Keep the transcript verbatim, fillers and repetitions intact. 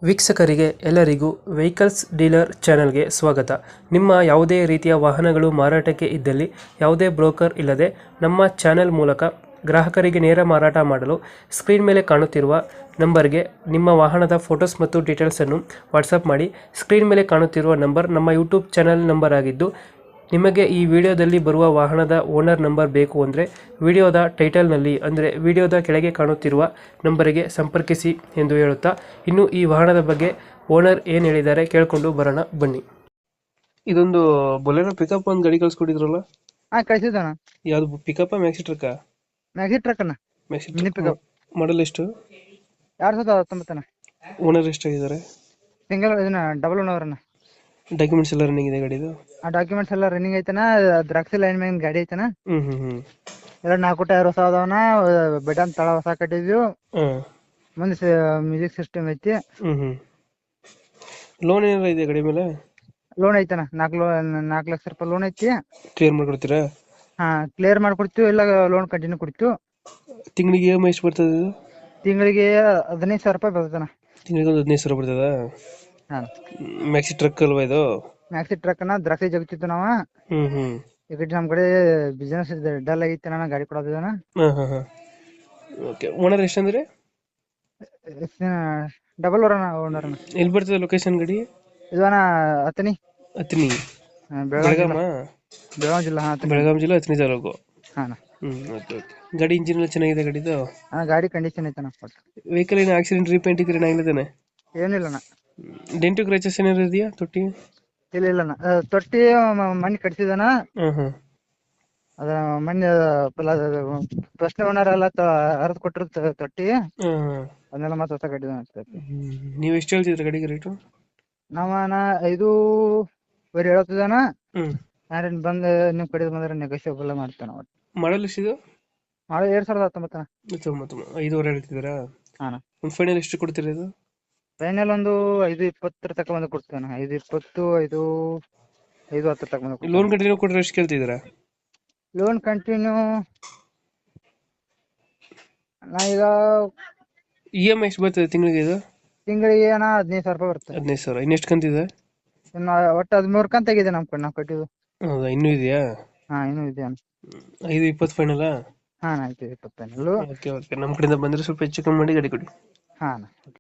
ವೀಕ್ಷಕರಿಗೆ ಎಲ್ಲರಿಗೂ vehicles dealer ಚಾನೆಲ್ಗೆ ಸ್ವಾಗತ. ನಿಮ್ಮ ಯಾವುದೇ ರೀತಿಯ ವಾಹನಗಳು ಮಾರಾಟಕ್ಕೆ ಇದ್ದಲ್ಲಿ ಯಾವುದೇ ಬ್ರೋಕರ್ ಇಲ್ಲದೆ ನಮ್ಮ ಚಾನೆಲ್ ಮೂಲಕ ಗ್ರಾಹಕರಿಗೆ ನೇರ ಮಾರಾಟ ಮಾಡಲು ಸ್ಕ್ರೀನ್ ಮೇಲೆ ಕಾಣುತ್ತಿರುವ ನಂಬರ್ಗೆ ನಿಮ್ಮ ವಾಹನದ ಫೋಟೋಸ್ ಮತ್ತು ಡೀಟೇಲ್ಸನ್ನು ವಾಟ್ಸಪ್ ಮಾಡಿ. ಸ್ಕ್ರೀನ್ ಮೇಲೆ ಕಾಣುತ್ತಿರುವ ನಂಬರ್ ನಮ್ಮ ಯೂಟ್ಯೂಬ್ ಚಾನೆಲ್ ನಂಬರ್ ಆಗಿದ್ದು, ನಿಮಗೆ ಈ ವಿಡಿಯೋದಲ್ಲಿ ಬರುವ ವಾಹನದ ಓನರ್ ನಂಬರ್ ಬೇಕು ಅಂದರೆ ವಿಡಿಯೋದ ಟೈಟಲ್ನಲ್ಲಿ ಅಂದರೆ ವಿಡಿಯೋದ ಕೆಳಗೆ ಕಾಣುತ್ತಿರುವ ನಂಬರಿಗೆ ಸಂಪರ್ಕಿಸಿ ಎಂದು ಹೇಳುತ್ತಾ, ಇನ್ನು ಈ ವಾಹನದ ಬಗ್ಗೆ ಓನರ್ ಏನು ಹೇಳಿದ್ದಾರೆ ಕೇಳಿಕೊಂಡು ಬರೋಣ ಬನ್ನಿ. ಇದೊಂದು ಬೊಲೆರೋ ಪಿಕಪ್ ಒಂದು ಗಾಡಿ ಕಳ್ಸ್ಕೊಟ್ಟಿದ್ರಲ್ಲ, ಹಾ ಕಳ್ಸಿದ್ದಣ್ಣ. ಯಾವ್ದು pickup maxi truck? Maxi truck ಅಣ್ಣ. ಮ್ಯಾಕ್ಸಿ ಮಿನಿ ಪಿಕಪ್ ಮಾಡಲ್ ಎಷ್ಟು? ಎರಡ್ ಸಾವಿರದ ಹತ್ತೊಂಬತ್ತನ. ಓನರ್ ಎಷ್ಟಾಗಿದ್ದಾರೆ? ಸಿಂಗಲ್ ಇದನ್ನ ಡಬಲ್ ಓನರ್ ಅಣ್ಣ. ಡಾಕ್ಯುಮೆಂಟ್ಸ್ ಎಲ್ಲ ರನ್ನಿಂಗ್ ಇದೆ ಗಾಡಿದು? ಆ ಡಾಕ್ಯುಮೆಂಟ್ಸ್ ಎಲ್ಲ ರನ್ನಿಂಗ್ ಐತನ. ದ್ರಾಕ್ಷಿ ಲೈನ್ ಮ್ಯಾಗಿನ ಗಾಡಿ ಐತನ. ಹ್ಮ್ ಹ್ಮ್ ಹ್ಮ್ ಎರಡು ನಾಲ್ಕು ಟೈರ್ ಹೊಸ ಅದಾವನ. ಬೆಡನ್ ತಳ ಹೊಸ ಕಟ್ಟಿದ್ವಿ. ಹಾಂ ಮುಂದೆ ಮ್ಯೂಸಿಕ್ ಸಿಸ್ಟಮ್ ಐತಿ. ಹ್ಮ್ ಹ್ಮ್ ಲೋನ್ ಏನಾರ ಇದೆ ಗಾಡಿ ಮೇಲೆ? ಲೋನ್ ಐತನ. ನಾಲ್ಕು ಲೋ ನಾಲ್ಕು ಲಕ್ಷ ರೂಪಾಯಿ ಲೋನ್ ಐತಿ. ಕ್ಲಿಯರ್ ಮಾಡ್ಕೊಡ್ತೀರಾ? ಹಾ ಕ್ಲಿಯರ್ ಮಾಡ್ಕೊಡ್ತೀವಿ, ಇಲ್ಲ ಲೋನ್ ಕಂಟಿನ್ಯೂ ಕೊಡ್ತೀವಿ. ತಿಂಗಳಿಗೆ ಇ ಎಮ್ ಐ ಎಷ್ಟು ಬರ್ತದೆ ಇದು? ತಿಂಗಳಿಗೆ ಹದಿನೈದು ಸಾವಿರ ರೂಪಾಯಿ ಬರ್ತದಣ್ಣ. ತಿಂಗಳಿಗೆ ಒಂದು ಹದಿನೈದು ಸಾವಿರ ಬರ್ತದ? ಹಾ ಮ್ಯಾಕ್ಸಿ ಟ್ರಕ್ ಅಲ್ವಾ ಇದು? ಮ್ಯಾಕ್ಸಿ ಟ್ರಕ್ ಅನ್ನ. ದ್ರಾಕ್ಷಿ ಜಗತ್ತಿತ್ತು ನಾವ. ಹ್ಮ್ ಹ್ಮ್ ಈ ಕಡೆ ನಮ್ ಕಡೆ ಬಿಸ್ನೆಸ್ ಡಲ್ ಆಗೈತಿ ಅಣ್ಣ, ಗಾಡಿ ಕೊಡೋದನ. ಹಾಂ ಹಾಂ ಹಾಂ ಓಕೆ. ಓನರ್ ಎಷ್ಟಂದ್ರೆ? ಡಬಲ್ ಓನರ್ ಓನರ್ ಅಣ್ಣ. ಎಲ್ಲಿ ಬರ್ತದೆ ಲೊಕೇಶನ್ ಗಾಡಿ? ಇದು ಅಣ್ಣ ಹತ್ತನಿ. ಹತ್ನಿ ಬೆಳಗಾವಿ ಬೆಳಗಾಮ? ಬೆಳಗಾವಿ ಜಿಲ್ಲಾ. ಹಾ ಹತ್ತನಿ. ಬೆಳಗಾಂ ಜಿಲ್ಲೆ ಹತ್ನಿ ತಾಲೂಕು. ಹಾ ಅಣ್ಣ. ಹ್ಮ್ ಓಕೆ ಓಕೆ. ಗಾಡಿ ಇಂಜಿನ್ ಎಲ್ಲ ಚೆನ್ನಾಗಿದೆ ಗಾಡಿದು? ಅಣ್ಣ ಗಾಡಿ ಕಂಡೀಷನ್ ಐತಣ್ಣ. ವೆಹಿಕಲ್ ಏನು ಆಕ್ಸಿಡೆಂಟ್ ರೀಪೇಂಟ್ ಇದ್ರೆ ಏನಾಗಿದ್ದಾನೆ? ಏನಿಲ್ಲ ಅಣ್ಣ. ಡೆಂಟು ಕ್ರಚಸ್ ಏನಾದ್ರು ಇದೆಯಾ ತೊಟ್ಟಿ? ಇಲ್ಲ ಇಲ್ಲ ಅಣ್ಣ. ಆ, ತೊಟ್ಟಿ ಮಣ್ಣಿ ಕಟ್ಸಿದನ. ಹಾಂ ಹಾಂ ಅದ ಮಣ್ಣಿ ಫಸ್ಟ್ ಓನರ್ ಎಲ್ಲ ಹರಿದು ಕೊಟ್ಟಿರೋ ತೊಟ್ಟಿ. ಹಾಂ ಹಾಂ ಅದನ್ನೆಲ್ಲ ಮತ್ತೆ ಹೊಸ ಕಟ್ಟಿದ. ನೀವು ಎಷ್ಟು ಹೇಳ್ತಿದ್ರಿ ಗಾಡಿಗೆ ರೇಟು? ನಾವ ಅಣ್ಣ ಐದು ಬರೀ ಹೇಳ್ತಿದ್ದಾನ. ಹ್ಮ್ ಯಾರೇನು ಬಂದು ನಿಮ್ ಕಡೆ ಬಂದ್ರೆ ನೆಗೋಷಿಯಬಲ್ ಮಾಡ್ತಾನ. ಒಟ್ಟು ಮಾಡಲ್ ಎಷ್ಟಿದು? ಮಾಡಿ ಎರಡ್ ಸಾವಿರದ ಹತ್ತೊಂಬತ್ತನ. ತೊಂಬತ್ತು ಐದುವರೆ ಹೇಳ್ತಿದ್ದೀರಾ? ಹಾ ಒಂದು ಫೈನಲ್ ಎಷ್ಟು ಕೊಡ್ತೀರಾ ಇದು? ಫೈನಲ್ ಒಂದು ಐದು ಇಪ್ಪತ್ತರ ತಕ ಬಂದು ಕೊಡ್ತೇನೆ. ಐದು ಇಪ್ಪತ್ತು ಐದು ಐದು ಹತ್ತರ ತಕ ಬಂದು. ಲೋನ್ ಕಂಟಿನ್ಯೂ ಕೊಟ್ಟರೆ ಎಷ್ಟು ಕೇಳ್ತಿದ್ದೀರಾ? ಲೋನ್ ಕಂಟಿನ್ಯೂ ನಾ ಈಗ ಇ ಎಮ್ ಐ ಎಷ್ಟು ಬರ್ತದೆ ತಿಂಗಳಿಗೆ ಇದು? ತಿಂಗಳಿಗೆ ಅಣ್ಣ ಹದಿನೈದು ಸಾವಿರ ರೂಪಾಯಿ ಬರುತ್ತೆ. ಹದಿನೈದು ಸಾವಿರ. ಇನ್ನೆಷ್ಟು ಕಂತಿದೆ? ಇನ್ನು ಒಟ್ಟು ಹದಿಮೂರು ಕಂತ ಆಗಿದೆ ನಮ್ ಕಡೆ ನಾವು ಕಟ್ಟಿದ್ದು. ಹೌದಾ, ಇನ್ನೂ ಇದೆಯಾ? ಹಾ ಇನ್ನೂ ಇದೆ ಅಣ್ಣ. ಐದು ಇಪ್ಪತ್ತು ಫೈನಲ್ಲ? ಹಾ ಆಯ್ತು ಇಪ್ಪತ್ತೈದು. Okay okay. ನಮ್ಮ ಕಡೆಯಿಂದ ಬಂದರೆ ಸ್ವಲ್ಪ ಹೆಚ್ಚು ಕಮ್ಮಿ ಮಾಡಿ ಗಾಡಿ ಕೊಡಿ. ಹಾ ಅಣ್ಣ.